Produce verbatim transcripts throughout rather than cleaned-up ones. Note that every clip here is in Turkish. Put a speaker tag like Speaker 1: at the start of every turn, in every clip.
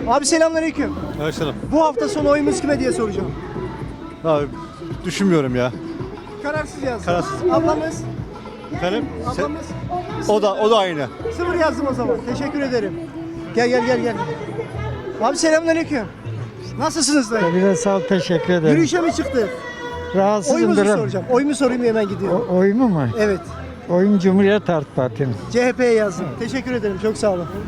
Speaker 1: Abi selamünaleyküm.
Speaker 2: Aleykümselam.
Speaker 1: Bu hafta sonu oyumuz kime diye soracağım.
Speaker 2: Abi düşünmüyorum ya.
Speaker 1: Kararsız yazdım.
Speaker 2: Kararsız.
Speaker 1: Ablamız.
Speaker 2: Efendim?
Speaker 1: Ablamız.
Speaker 2: O da o da aynı.
Speaker 1: Sıfır yazdım o zaman. Teşekkür ederim. Gel gel gel gel. Abi selamünaleyküm. Nasılsınız dayı?
Speaker 3: Biraz sağ ol, teşekkür ederim.
Speaker 1: Yürüyüşe mi çıktık?
Speaker 3: Rahatsızım
Speaker 1: Oyumuzu
Speaker 3: biraz.
Speaker 1: soracağım. Oyumu sorayım hemen gidiyorum.
Speaker 3: O, oyumu mu?
Speaker 1: Evet.
Speaker 3: Oyun Cumhuriyet Halk Parti'nin.
Speaker 1: C H P'ye yazdım. Teşekkür ederim. Çok sağ olun.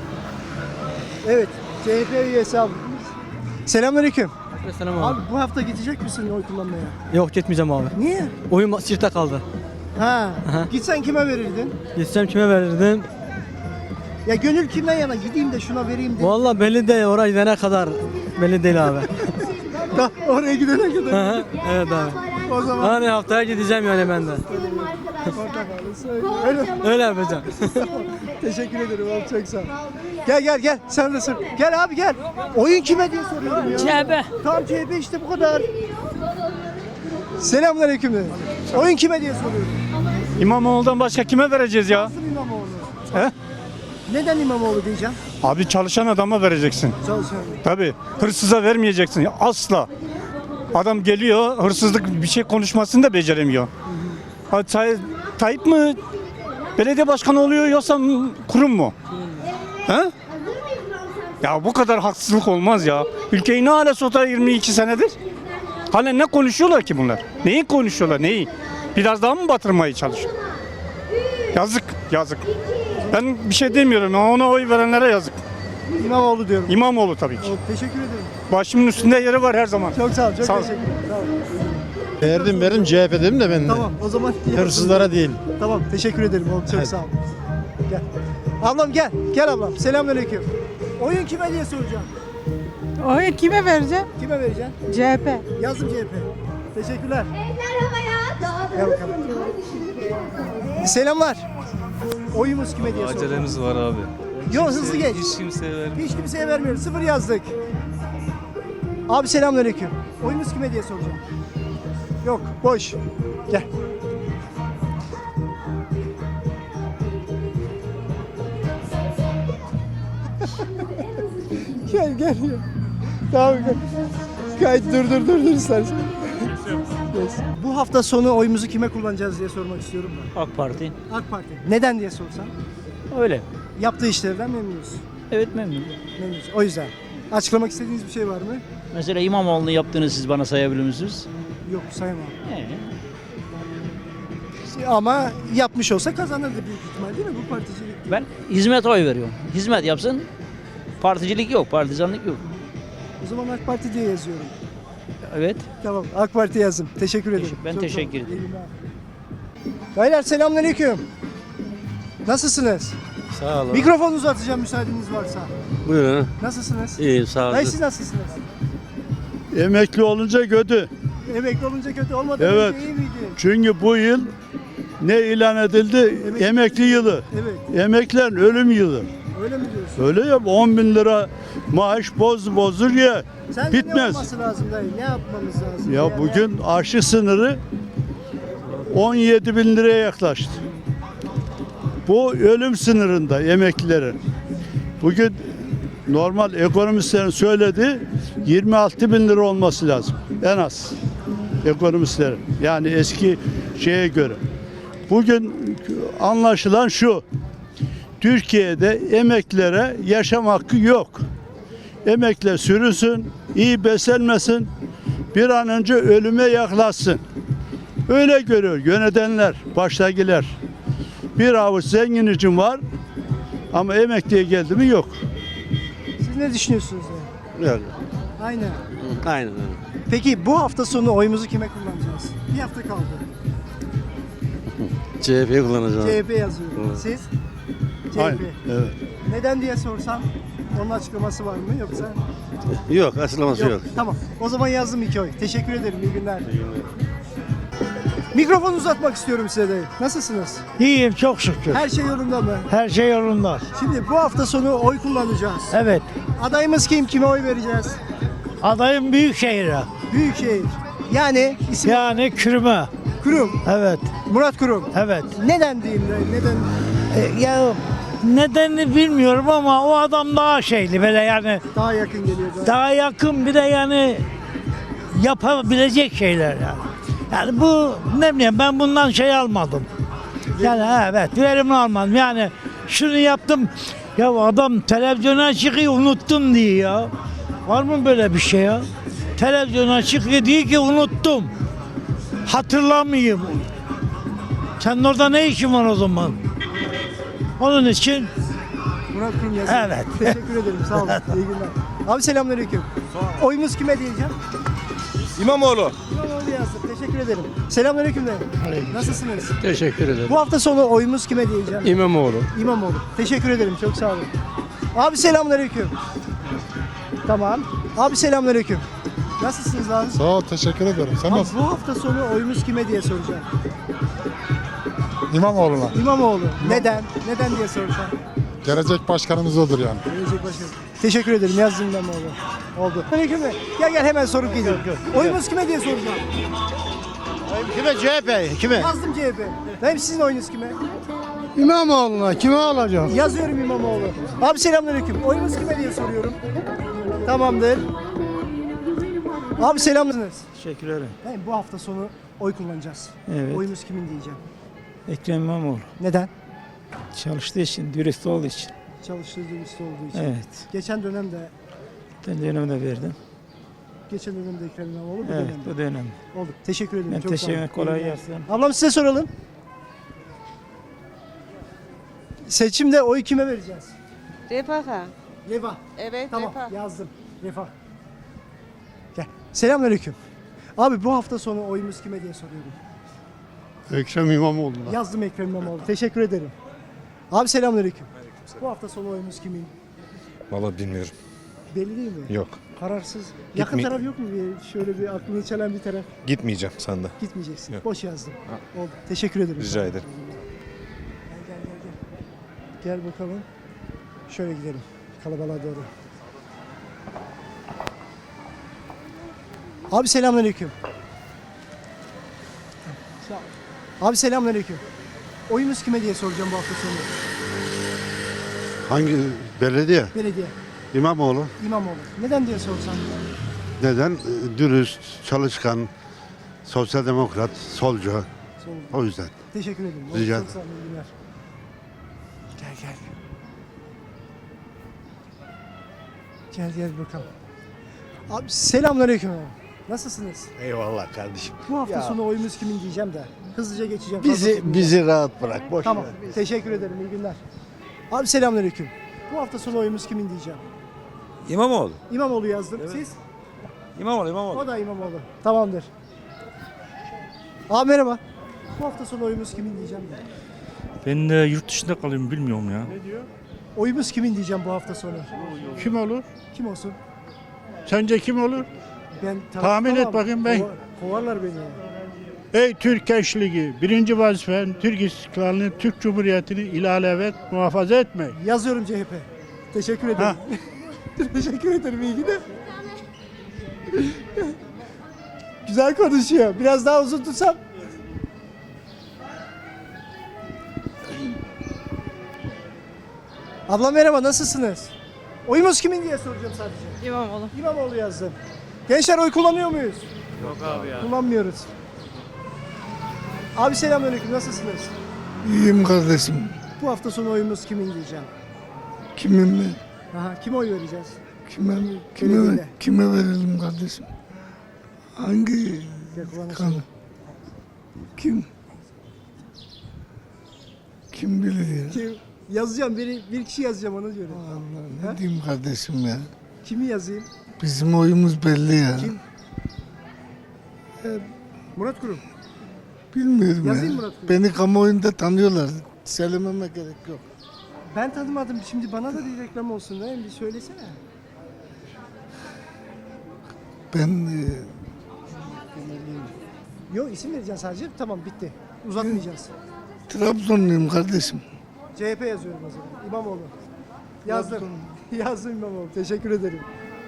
Speaker 1: Evet. C H P üyesi abi. Selamünaleyküm.
Speaker 4: Selam abi.
Speaker 1: Abi bu hafta gidecek misin oy kullanmaya?
Speaker 4: Yok gitmeyeceğim abi.
Speaker 1: Niye?
Speaker 4: Oyun çifte kaldı.
Speaker 1: Ha.
Speaker 4: Aha.
Speaker 1: Gitsen kime verirdin?
Speaker 4: Gitsem kime verirdim?
Speaker 1: Ya gönül kimden yana? Gideyim de şuna vereyim de.
Speaker 4: Vallahi belli değil, oraya gidene kadar belli değil abi.
Speaker 1: Da, oraya gidene
Speaker 4: Hı
Speaker 1: kadar.
Speaker 4: hı, evet abi.
Speaker 1: O zaman
Speaker 4: Hani haftaya gideceğim yani ben de.
Speaker 1: portakalı söyle. Öyle.
Speaker 4: Öyle yapacağım.
Speaker 1: Teşekkür ederim abi, çok sağ ol. Gel gel gel, sen de sor. Gel abi gel. Oyun kime diye soruyorum ya.
Speaker 5: C H P.
Speaker 1: Tamam C H P işte, bu kadar. Selamünaleyküm dedim. Oyun kime diye soruyorum.
Speaker 6: İmamoğlu'ndan başka kime vereceğiz ya?
Speaker 1: Nasıl İmamoğlu?
Speaker 6: He?
Speaker 1: Neden İmamoğlu diyeceğim?
Speaker 6: Abi çalışan adama vereceksin.
Speaker 1: Çalışan.
Speaker 6: Tabii. Hırsıza vermeyeceksin. Asla. Adam geliyor, hırsızlık bir şey konuşmasını da beceremiyor. Ha, Tay Tayyip mi belediye başkanı oluyor yoksa kurum mu? He? Ya bu kadar haksızlık olmaz ya. Ülkeyi ne hale sotar yirmi iki senedir? Hala ne konuşuyorlar ki bunlar? Neyi konuşuyorlar, neyi? Biraz daha mı batırmaya çalışıyor? Yazık, yazık. Ben bir şey demiyorum, ona oy verenlere yazık.
Speaker 1: İmamoğlu diyorum.
Speaker 6: İmamoğlu tabii ki.
Speaker 1: O, teşekkür ederim.
Speaker 6: Başımın üstünde yeri var her zaman.
Speaker 1: Çok sağ ol, çok
Speaker 6: Sağ ol.
Speaker 1: teşekkür ederim. Sağ ol.
Speaker 7: Verdim verdim C H P dedim de ben de.
Speaker 1: Tamam, o zaman
Speaker 7: Hırsızlara değil.
Speaker 1: Tamam, teşekkür ederim oğlum, çok sağ ol. Gel. Ablam gel, gel ablam. Selamünaleyküm. Oyun kime diye soracağım.
Speaker 5: Oyu kime vereceğim?
Speaker 1: Kime vereceksin?
Speaker 5: C H P.
Speaker 1: Yazdım C H P. Teşekkürler. Gel bakalım. Selamlar. Oyumuz kime diye soracağım.
Speaker 8: Acelemiz var abi.
Speaker 1: Yok, hızlı geç.
Speaker 8: Hiç kimseye vermiyor.
Speaker 1: Hiç kimseye vermiyoruz. Sıfır yazdık. Abi selamünaleyküm. Oyumuz kime diye soracağım. Yok, boş. Gel. Gel gel gel. Tamam gel. Kayıt dur dur dur dur istersen. Yes. Bu hafta sonu oyumuzu kime kullanacağız diye sormak istiyorum ben.
Speaker 9: AK Parti.
Speaker 1: AK Parti. Neden diye sorsam?
Speaker 9: Öyle.
Speaker 1: Yaptığı işlerden memnunuz.
Speaker 9: Evet memnunum.
Speaker 1: Memnunuz. O yüzden. Açıklamak istediğiniz bir şey var mı?
Speaker 9: Mesela İmamoğlu'nun yaptığını siz bana sayabilir misiniz?
Speaker 1: Yok, sayamam.
Speaker 9: Ee,
Speaker 1: Ama yapmış olsa kazanırdı büyük ihtimal, değil mi bu particilik?
Speaker 9: ben hizmete oy veriyorum. Hizmet yapsın. Particilik yok, partizanlık yok.
Speaker 1: O zaman AK Parti diye yazıyorum.
Speaker 9: Evet.
Speaker 1: Tamam, AK Parti yazdım. Teşekkür ederim.
Speaker 9: Ben
Speaker 1: Çok
Speaker 9: teşekkür
Speaker 1: sağ olun.
Speaker 9: ederim.
Speaker 1: İyi günler. Beyler selamünaleyküm. Nasılsınız?
Speaker 8: Sağ olun.
Speaker 1: Mikrofon uzatacağım müsaadeniz varsa.
Speaker 8: Buyurun.
Speaker 1: Nasılsınız?
Speaker 8: İyi sağ
Speaker 1: Dayı
Speaker 8: olun.
Speaker 1: siz nasılsınız?
Speaker 7: Emekli olunca kötü.
Speaker 1: Emekli olunca kötü olmadı.
Speaker 7: Evet.
Speaker 1: Önce iyi miydi?
Speaker 7: Çünkü bu yıl ne ilan edildi?
Speaker 1: Emekli-
Speaker 7: Emekli yılı.
Speaker 1: Evet.
Speaker 7: Emeklilerin ölüm yılı.
Speaker 1: Öyle mi diyorsun?
Speaker 7: Öyle ya, on bin lira maaş boz bozdur ya.
Speaker 1: Sen ne
Speaker 7: Bitmez.
Speaker 1: olması lazım dayı? Ne yapmamız lazım?
Speaker 7: Ya
Speaker 1: Yani
Speaker 7: bugün aşı sınırı on yedi bin liraya yaklaştı. Bu ölüm sınırında emeklilerin. Bugün normal ekonomistlerin söylediği yirmi altı bin lira olması lazım en az ekonomistlerin. Yani eski şeye göre. Bugün anlaşılan şu: Türkiye'de emeklilere yaşam hakkı yok. Emekliler sürünsün, iyi beslenmesin, bir an önce ölüme yaklaşsın. Öyle görüyor yönetenler, baştakiler. Bir avuç zengin için var ama emekliye geldi mi yok.
Speaker 1: Siz ne düşünüyorsunuz? Yani?
Speaker 8: Öyle.
Speaker 1: Aynen.
Speaker 8: Aynen öyle.
Speaker 1: Peki bu hafta sonu oyumuzu kime kullanacağız? Bir hafta kaldı.
Speaker 8: C H P'yi kullanacağım.
Speaker 1: C H P yazıyorum.
Speaker 8: Evet.
Speaker 1: Siz? C H P.
Speaker 7: Aynen, evet.
Speaker 1: Neden diye sorsam onun açıklaması var mı yoksa?
Speaker 8: Yok, açıklaması yok.
Speaker 1: Tamam. O zaman yazdım iki oy. Teşekkür ederim. İyi günler. Mikrofon uzatmak istiyorum size de. Nasılsınız?
Speaker 3: İyiyim çok şükür.
Speaker 1: Her şey yolunda mı?
Speaker 3: Her şey yolunda.
Speaker 1: Şimdi bu hafta sonu oy kullanacağız.
Speaker 3: Evet.
Speaker 1: Adayımız kim? Kime oy vereceğiz?
Speaker 3: Adayım Büyükşehir'e.
Speaker 1: Büyükşehir. Yani isim
Speaker 3: Yani Kürme.
Speaker 1: Kurum.
Speaker 3: Evet.
Speaker 1: Murat Kurum.
Speaker 3: Evet.
Speaker 1: Neden diyeyim? de, Neden?
Speaker 3: E, ya Nedenini bilmiyorum ama o adam daha şeyli böyle yani
Speaker 1: Daha yakın geliyor. Daha.
Speaker 3: daha yakın bir de yani yapabilecek şeyler yani. Yani bu ne bileyim ben bundan şey almadım. Yani evet verimli almadım. Yani şunu yaptım. Ya adam televizyona çıkıyor unuttum diye ya. Var mı böyle bir şey ya? Televizyona çıkıyor diyor ki unuttum. Hatırlamayayım. Sen orada ne işin var o zaman? Onun için
Speaker 1: Murat Kurum yazıyor.
Speaker 3: Evet.
Speaker 1: Teşekkür ederim. Sağ olun. İyi günler. Abi selamünaleyküm. Oyumuz kime diyeceğim?
Speaker 10: İmamoğlu.
Speaker 1: İmamoğlu yazdım. Teşekkür ederim. Selamünaleyküm de. Nasılsınız?
Speaker 10: Teşekkür ederim.
Speaker 1: Bu hafta sonu oyumuz kime diyeceğim?
Speaker 10: İmamoğlu.
Speaker 1: İmamoğlu. Teşekkür ederim. Çok sağ olun. Abi selamünaleyküm. Tamam. Abi selamünaleyküm. Nasılsınız abi?
Speaker 11: Sağ ol, teşekkür ederim. Sen
Speaker 1: Abi
Speaker 11: nasılsın?
Speaker 1: bu hafta sonu oyumuz kime diye soracağım.
Speaker 11: İmamoğlu'na.
Speaker 1: İmamoğlu. Neden? Neden diye soracağım.
Speaker 11: Gelecek başkanımız odur yani.
Speaker 1: Gelecek başkanım. Teşekkür ederim. Yazdım İmamoğlu. Oldu. Aleyküm de. Gel gel hemen sorup gidiyorum. Oyumuz kime diye soracağım.
Speaker 2: Kime? C H P. Kime?
Speaker 1: Yazdım C H P. Benim sizin oyunuz kime?
Speaker 2: İmamoğlu'na. Kime alacağım?
Speaker 1: Yazıyorum İmamoğlu. Abi selamünaleyküm. Oyunuz kime diye soruyorum. Tamamdır. Abi selamsınız.
Speaker 3: teşekkür ederim.
Speaker 1: Ben bu hafta sonu oy kullanacağız.
Speaker 3: Evet.
Speaker 1: Oyumuz kimin diyeceğim.
Speaker 3: Ekrem İmamoğlu.
Speaker 1: Neden?
Speaker 3: Çalıştığı için, dürüst olduğu için.
Speaker 1: Çalıştığı dürüst olduğu için.
Speaker 3: Evet.
Speaker 1: Geçen dönemde,
Speaker 3: Ben dönemde verdim.
Speaker 1: geçen dönemde Ekrem İmamoğlu bu
Speaker 3: Evet,
Speaker 1: dönemde.
Speaker 3: bu dönem.
Speaker 1: Oldu. Teşekkür ederim.
Speaker 3: Ben
Speaker 1: Çok
Speaker 3: teşekkür
Speaker 1: sağ olun.
Speaker 3: ederim. Kolay
Speaker 1: İyi günler.
Speaker 3: gelsin.
Speaker 1: Ablam size soralım. Seçimde oy kime vereceğiz?
Speaker 5: Refaha.
Speaker 1: Refah.
Speaker 5: Evet,
Speaker 1: Tamam
Speaker 5: refah.
Speaker 1: yazdım. Refah. Gel. Selamünaleyküm. Abi bu hafta sonu oyumuz kime diye soruyorum.
Speaker 7: Ekrem İmamoğlu'na.
Speaker 1: Yazdım Ekrem İmamoğlu. Teşekkür ederim. Abi selamünaleyküm. Bu hafta sonu oyumuz kimin?
Speaker 10: Vallahi bilmiyorum.
Speaker 1: Belli değil mi?
Speaker 10: Yok.
Speaker 1: Kararsız. Yakın
Speaker 10: Gitme-
Speaker 1: taraf yok mu? Bir, şöyle bir aklını çelen bir taraf.
Speaker 10: Gitmeyeceğim sende.
Speaker 1: Gitmeyeceksin.
Speaker 10: Yok.
Speaker 1: Boş yazdım. Oldu. Teşekkür ederim.
Speaker 10: Rica ederim.
Speaker 1: Gel gel gel. Gel, gel bakalım. Şöyle gidelim. Kalabalığa doğru. Abi selamünaleyküm. Abi selamünaleyküm. Oyumuz kime diye soracağım bu hafta sonu.
Speaker 8: Hangi belediye?
Speaker 1: Belediye.
Speaker 8: İmamoğlu.
Speaker 1: İmamoğlu. Neden diye sorsam.
Speaker 8: Neden? Ee, Dürüst, çalışkan, sosyal demokrat, solcu.
Speaker 1: Sorun.
Speaker 8: O yüzden.
Speaker 1: Teşekkür ederim.
Speaker 8: Rica
Speaker 1: Çok sağ olun. iyi günler. Gel gel. Gel gel bakalım. Abi selamünaleyküm. Nasılsınız?
Speaker 2: Eyvallah kardeşim.
Speaker 1: Bu hafta sonu oyumuz kimin diyeceğim de. Hızlıca geçeceğim.
Speaker 2: Bizi
Speaker 1: Fazla tutmayacağım.
Speaker 2: bizi rahat bırak. Boş
Speaker 1: Tamam.
Speaker 2: ver.
Speaker 1: Teşekkür ederim. İyi günler. Abi selamünaleyküm. Bu hafta sonu oyumuz kimin diyeceğim.
Speaker 10: İmamoğlu.
Speaker 1: İmamoğlu yazdım. Siz?
Speaker 10: İmamoğlu, İmamoğlu.
Speaker 1: O da İmamoğlu. Tamamdır. Abi merhaba. Bu hafta sonu oyumuz kimin diyeceğim de.
Speaker 6: Ben de yurt dışında kalıyorum bilmiyorum ya.
Speaker 1: Oyumuz kimin diyeceğim bu hafta sonu.
Speaker 7: Kim olur?
Speaker 1: Kim olsun?
Speaker 7: Sence kim olur?
Speaker 1: Ben
Speaker 7: Tahmin et
Speaker 1: tamam.
Speaker 7: bakayım ben.
Speaker 1: Kova- Kovarlar beni.
Speaker 7: Ey Türk gençliği, birinci vazifen Türk İstiklalini, Türk Cumhuriyeti'ni ilalevet muhafaza etmek.
Speaker 1: Yazıyorum C H P. Teşekkür ederim. Teşekkür ederim. İyi günler. Güzel konuşuyor. Biraz daha uzun tutsam. Abla merhaba, nasılsınız? Oyumuz kimin diye soracağım sadece.
Speaker 5: İmamoğlu.
Speaker 1: İmamoğlu yazdım. Gençler oy kullanıyor muyuz? Yok abi ya. Kullanmıyoruz. Abi selamünaleyküm, nasılsınız?
Speaker 11: İyiyim kardeşim.
Speaker 1: Bu hafta sonu oyumuz kimin diyeceğim.
Speaker 11: Kimin mi?
Speaker 1: Aha, kime oy vereceğiz?
Speaker 11: Kime,
Speaker 1: Belediye.
Speaker 11: kime verelim kardeşim? Hangi
Speaker 1: Gel kulağına
Speaker 11: kanı?
Speaker 1: söyle.
Speaker 11: Kim? Kim bilir ya?
Speaker 1: Kim? Yazacağım, bir, bir kişi yazacağım ona göre.
Speaker 11: Allah
Speaker 1: Ha?
Speaker 11: ne diyeyim kardeşim ya?
Speaker 1: Kimi yazayım?
Speaker 11: Bizim oyumuz belli ya.
Speaker 1: Kim? Murat Kurum.
Speaker 11: Bilmiyorum
Speaker 1: Yazayım
Speaker 11: ya.
Speaker 1: Murat Kurum.
Speaker 11: Beni kamuoyunda tanıyorlar. Söylememe gerek yok.
Speaker 1: Ben tanımadım. Şimdi bana da bir reklam olsun değil mi? Bir söylesene.
Speaker 11: Ben e,
Speaker 1: Yok, isim vereceksin sadece. Tamam, bitti. Uzatmayacağız.
Speaker 11: Trabzonluyum kardeşim.
Speaker 1: C H P yazıyorum o zaman. İmamoğlu. Yazdım. Yazdım İmamoğlu. Teşekkür ederim.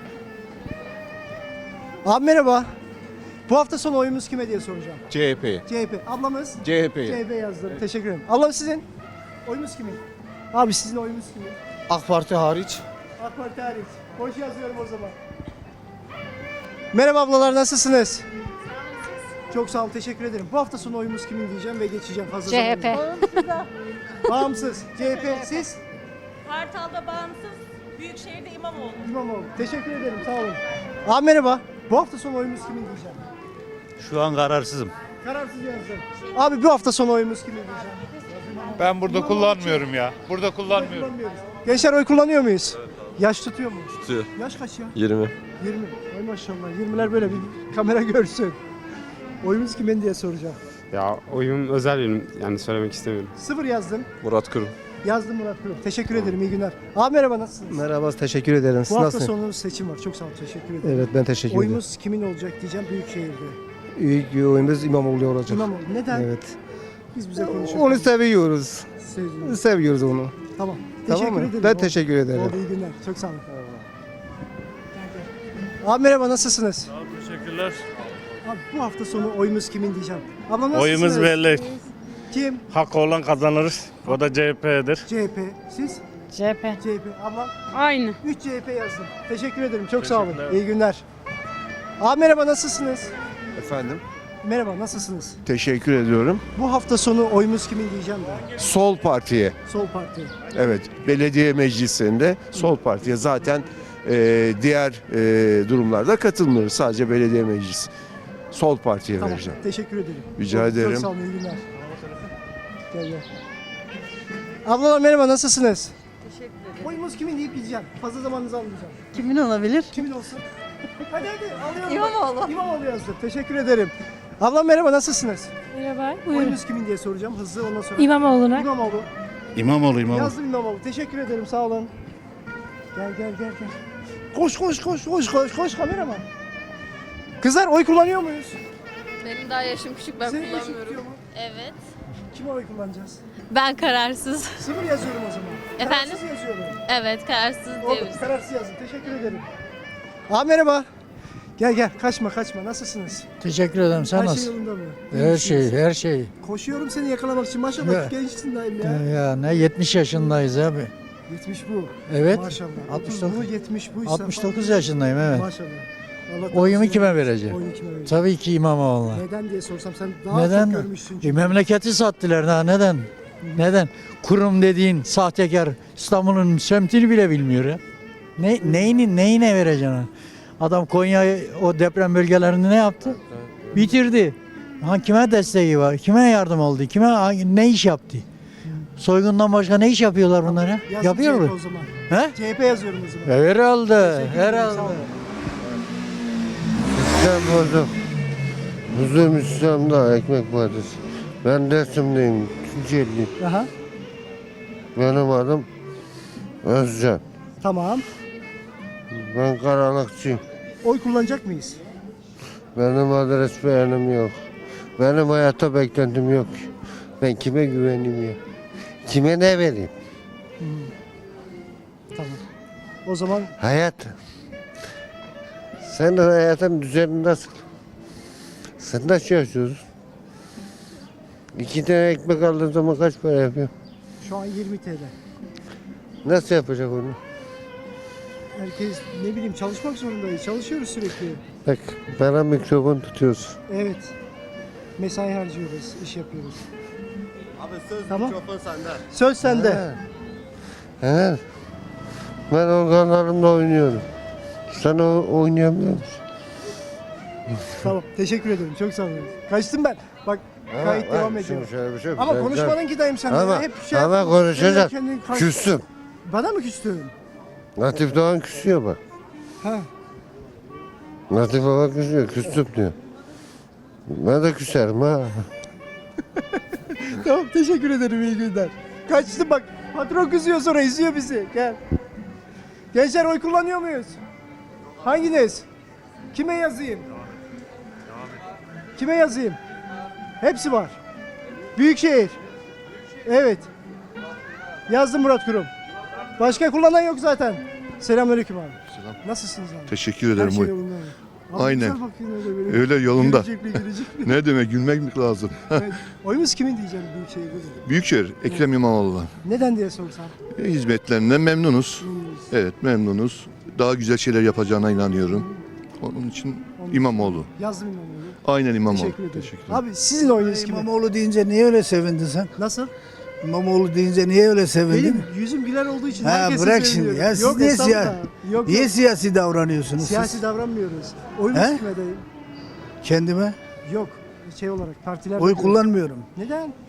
Speaker 1: Abi merhaba. Bu hafta sonu oyumuz kime diye soracağım.
Speaker 10: C H P.
Speaker 1: C H P. Ablamız?
Speaker 10: C H
Speaker 1: C H P yazdım. Teşekkür ederim. Ablam sizin? Oyumuz kimin? Abi sizin oyunuz kim?
Speaker 2: AK Parti hariç.
Speaker 1: AK Parti hariç. Hoş yazıyorum o zaman. Merhaba ablalar, nasılsınız? Çok sağ olun, teşekkür ederim. Bu hafta sonu oyumuz kimin diyeceğim ve geçeceğim. Fazla
Speaker 5: C H P.
Speaker 1: zamanım- Bağımsız. C H P siz?
Speaker 5: Kartal'da bağımsız, Büyükşehir'de İmamoğlu.
Speaker 1: İmamoğlu. Teşekkür ederim, sağ olun. Abi merhaba. Bu hafta sonu oyumuz kimin diyeceğim?
Speaker 6: Şu an kararsızım.
Speaker 1: Kararsız yazdım. Abi bu hafta sonu oyumuz kimin diyeceğim?
Speaker 6: Ben burada
Speaker 1: kullanmıyorum
Speaker 6: ya. Burada kullanmıyorum.
Speaker 1: Kullanmıyoruz. Gençler oy kullanıyor muyuz? Yaş tutuyor mu?
Speaker 10: Tutuyor.
Speaker 1: Yaş kaç ya?
Speaker 10: yirmi.
Speaker 1: yirmi. Ay maşallah. yirmiler böyle bir kamera görsün. Oyumuz kimin diye soracağım.
Speaker 6: Ya oyun özel benim. Yani söylemek istemiyorum.
Speaker 1: Sıfır yazdım.
Speaker 10: Murat Kurum.
Speaker 1: Yazdım Murat Kurum. Teşekkür ederim. İyi günler. Abi merhaba, nasılsınız?
Speaker 2: Merhaba, teşekkür ederim. Siz
Speaker 1: Bu hafta
Speaker 2: nasılsınız?
Speaker 1: sonu seçim var. Çok sağ olun. Teşekkür ederim.
Speaker 2: Evet, ben teşekkür ederim.
Speaker 1: Oyumuz kimin olacak diyeceğim Büyükşehir'de.
Speaker 2: İlk oyumuz İmamoğlu olacak.
Speaker 1: İmamoğlu. Neden?
Speaker 2: Evet.
Speaker 1: Biz bize konuşalım.
Speaker 2: Onu seviyoruz.
Speaker 1: Sevdiğiniz.
Speaker 2: Seviyoruz onu.
Speaker 1: Tamam. Teşekkür
Speaker 2: Tamam mı?
Speaker 1: ederim.
Speaker 2: Ben
Speaker 1: Oldu.
Speaker 2: teşekkür ederim.
Speaker 1: Oldu, iyi günler. Çok sağ olun. Abi merhaba, nasılsınız?
Speaker 6: Teşekkürler.
Speaker 1: Abi bu hafta sonu oyumuz kimin diyeceğim. Abla nasılsınız?
Speaker 6: Oyumuz belli.
Speaker 1: Kim?
Speaker 6: Hakkı olan kazanır. O da C H P'dir.
Speaker 1: C H P. Siz?
Speaker 5: C H P.
Speaker 1: C H P. Abla?
Speaker 5: Aynı.
Speaker 1: üç C H P yazdım. Teşekkür ederim. Çok sağ olun. İyi günler. Abi merhaba, nasılsınız?
Speaker 8: Efendim?
Speaker 1: Merhaba, nasılsınız?
Speaker 8: Teşekkür ediyorum.
Speaker 1: Bu hafta sonu oyumuz kimin diyeceğim ben.
Speaker 8: Sol Parti'ye.
Speaker 1: Sol Parti.
Speaker 8: Evet. Belediye meclisinde Sol Parti'ye zaten e, diğer e, durumlarda katılmıyoruz. Sadece belediye meclisi. Sol Parti'ye
Speaker 1: Tamam.
Speaker 8: vereceğim.
Speaker 1: Teşekkür ederim.
Speaker 8: Rica
Speaker 1: Çok-
Speaker 8: ederim.
Speaker 1: Çok sağ olun. İyi günler. Gel gel. Ablalar merhaba, nasılsınız?
Speaker 5: Teşekkür ederim.
Speaker 1: Oyumuz kimin deyip gideceğim. Fazla zamanınızı almayacağım.
Speaker 5: Kimin olabilir?
Speaker 1: Kimin olsun? Hadi hadi alıyorum.
Speaker 5: İmamoğlu.
Speaker 1: İmamoğlu yazdım. Teşekkür ederim. Ablam merhaba, nasılsınız?
Speaker 5: Merhaba.
Speaker 1: Oyunuz kimin diye soracağım. Hızlı, ondan sonra.
Speaker 5: İmamoğlu'na.
Speaker 1: İmamoğlu.
Speaker 6: İmamoğlu İmamoğlu.
Speaker 1: Yazdım İmamoğlu. Teşekkür ederim, sağ olun. Gel gel gel gel. Koş koş koş koş koş koş kameraman. Kızlar oy kullanıyor muyuz?
Speaker 12: Benim daha yaşım küçük, ben
Speaker 1: Senin yaşın
Speaker 12: kullanmıyorum.
Speaker 1: tutuyor mu?
Speaker 12: Evet.
Speaker 1: Kime oy kullanacağız?
Speaker 12: Ben kararsız.
Speaker 1: Sıfır yazıyorum o zaman.
Speaker 12: Efendim?
Speaker 1: Kararsız yazıyorum.
Speaker 12: Evet, kararsız
Speaker 1: Oldu,
Speaker 12: diyebiliriz.
Speaker 1: kararsız yazdım. Teşekkür ederim. Abi merhaba. Gel gel, kaçma kaçma. Nasılsınız?
Speaker 11: Teşekkür ederim. Sen
Speaker 1: Her şey
Speaker 11: nasılsın?
Speaker 1: yolunda mı? İyi
Speaker 11: Her
Speaker 1: misiniz?
Speaker 11: şey, her şey.
Speaker 1: Koşuyorum seni yakalamak için. Maşallah
Speaker 11: Ya.
Speaker 1: gençsin dayım ya.
Speaker 11: Ya, ya ne yetmiş yaşındayız abi.
Speaker 1: yetmiş bu.
Speaker 11: Evet.
Speaker 1: Maşallah.
Speaker 11: altmış
Speaker 1: otuz bu,
Speaker 11: dokuz.
Speaker 1: yetmiş buysa.
Speaker 11: altmış dokuz yaşındayım, evet.
Speaker 1: Maşallah. Allah
Speaker 11: Oyumu
Speaker 1: korusun.
Speaker 11: kime vereceğim?
Speaker 1: Oyunu kime vereceğim?
Speaker 11: Tabii ki İmamoğlu'na.
Speaker 1: Neden diye sorsam sen daha
Speaker 11: Neden?
Speaker 1: çok görmüşsün
Speaker 11: E,
Speaker 1: çünkü.
Speaker 11: memleketi sattılar daha neden? Neden? Kurum dediğin sahtekar İstanbul'un semtini bile bilmiyor ya. Ne, neyini, neyine vereceksin? Adam Konya o deprem bölgelerini ne yaptı? Bitirdi. Ha, kime desteği var? Kime yardım oldu? Kime hangi- ne iş yaptı? Soygundan başka ne iş yapıyorlar bunlar ya?
Speaker 1: Yazdım
Speaker 11: Yapıyor
Speaker 1: C H P
Speaker 11: mu?
Speaker 1: o zaman.
Speaker 11: He?
Speaker 1: C H P yazıyorum o zaman.
Speaker 11: Herhalde,
Speaker 1: Teşekkür ederim, sağ
Speaker 11: herhalde.
Speaker 1: olun.
Speaker 2: İslam bozuk. Huzur İslam'da ekmek partisi. Ben Dersim'deyim. Tunceli'yim.
Speaker 1: Aha.
Speaker 2: Benim adım Özcan.
Speaker 1: Tamam.
Speaker 2: Ben karanlıkçıyım.
Speaker 1: Oy kullanacak mıyız?
Speaker 2: Benim adres beğenim yok. Benim hayatta beklentim yok. Ben kime güveneyim ya? Kime ne vereyim?
Speaker 1: Tamam. O zaman
Speaker 2: Hayat. Senin hayatın düzeni nasıl? Sen nasıl yaşıyorsun? İki tane ekmek aldığın zaman kaç para yapıyor?
Speaker 1: şu an yirmi T L.
Speaker 2: Nasıl yapacak onu?
Speaker 1: Herkes ne bileyim çalışmak zorundayız. Çalışıyoruz sürekli.
Speaker 2: Bak bana mikrofon tutuyorsun.
Speaker 1: Evet. Mesai harcıyoruz, iş yapıyoruz.
Speaker 2: Abi söz
Speaker 1: Tamam.
Speaker 2: mikrofon sende.
Speaker 1: Söz sende.
Speaker 2: He. Ben organlarımla oynuyorum. Sen o oynayamıyor musun?
Speaker 1: Tamam. Teşekkür ederim. Çok sağ olun. Kaçtım ben. Bak kayıt
Speaker 2: Ama
Speaker 1: devam
Speaker 2: bak,
Speaker 1: ediyor.
Speaker 2: şimdi şöyle bir şey yok.
Speaker 1: Ama
Speaker 2: Ben-
Speaker 1: konuşmadın ki dayım sen.
Speaker 2: Ama,
Speaker 1: Hep şey
Speaker 2: ama
Speaker 1: yapıyorsun.
Speaker 2: konuşacak.
Speaker 1: Kendin kaç-
Speaker 2: Küstüm.
Speaker 1: Bana mı küstün?
Speaker 2: Latif Doğan küsüyor bak.
Speaker 1: Ha.
Speaker 2: Latif Baba küsüyor. Küstüm diyor. Ben de küserim ha.
Speaker 1: Tamam teşekkür ederim, iyi günler. Kaçtım bak. Patron kızıyor sonra izliyor bizi. Gel. Gençler oy kullanıyor muyuz? Hanginiz? Kime yazayım? Kime yazayım? Hepsi var. Büyükşehir. Evet. Yazdım Murat Kurum. Başka kullanan yok zaten. Selamünaleyküm abi.
Speaker 8: Selam.
Speaker 1: Nasılsınız abi?
Speaker 8: Teşekkür
Speaker 1: Her
Speaker 8: ederim.
Speaker 1: şey
Speaker 8: Oy,
Speaker 1: yolunda mı? Abi
Speaker 13: Aynen.
Speaker 1: güzel bakıyorsun öyle böyle.
Speaker 13: Öyle yolunda.
Speaker 1: Gülecek mi gülecek mi?
Speaker 13: Ne demek gülmek mi lazım?
Speaker 1: Evet. Oyumuz kimin diyeceğim Büyükşehir'de de.
Speaker 13: Büyükşehir Ekrem İmamoğlu'na.
Speaker 1: Neden diye sorsam.
Speaker 13: E, Hizmetlerinden memnunuz.
Speaker 1: Memnunuz.
Speaker 13: Evet memnunuz. Daha güzel şeyler yapacağına inanıyorum. Onun için İmamoğlu.
Speaker 1: Yazdım İmamoğlu.
Speaker 13: Aynen İmamoğlu.
Speaker 1: Teşekkür ederim.
Speaker 13: Teşekkür ederim.
Speaker 1: Abi sizin oyunuz kime?
Speaker 7: İmamoğlu deyince niye öyle sevindin sen?
Speaker 1: Nasıl?
Speaker 7: İmamoğlu deyince niye öyle sevindin?
Speaker 1: Benim yüzüm güler olduğu için
Speaker 7: Ha,
Speaker 1: herkesi
Speaker 7: bırak
Speaker 1: seviyorum.
Speaker 7: şimdi ya, siz
Speaker 1: Yok
Speaker 7: niye
Speaker 1: estağfurullah.
Speaker 7: siya-
Speaker 1: Yok,
Speaker 7: Niye
Speaker 1: yok.
Speaker 7: siyasi davranıyorsunuz
Speaker 1: Siyasi
Speaker 7: siz?
Speaker 1: davranmıyoruz. Oyunuz
Speaker 7: He?
Speaker 1: kime dayı?
Speaker 7: Kendime
Speaker 1: Yok. Şey olarak partiler.
Speaker 7: oy kullanmıyorum.
Speaker 1: Neden?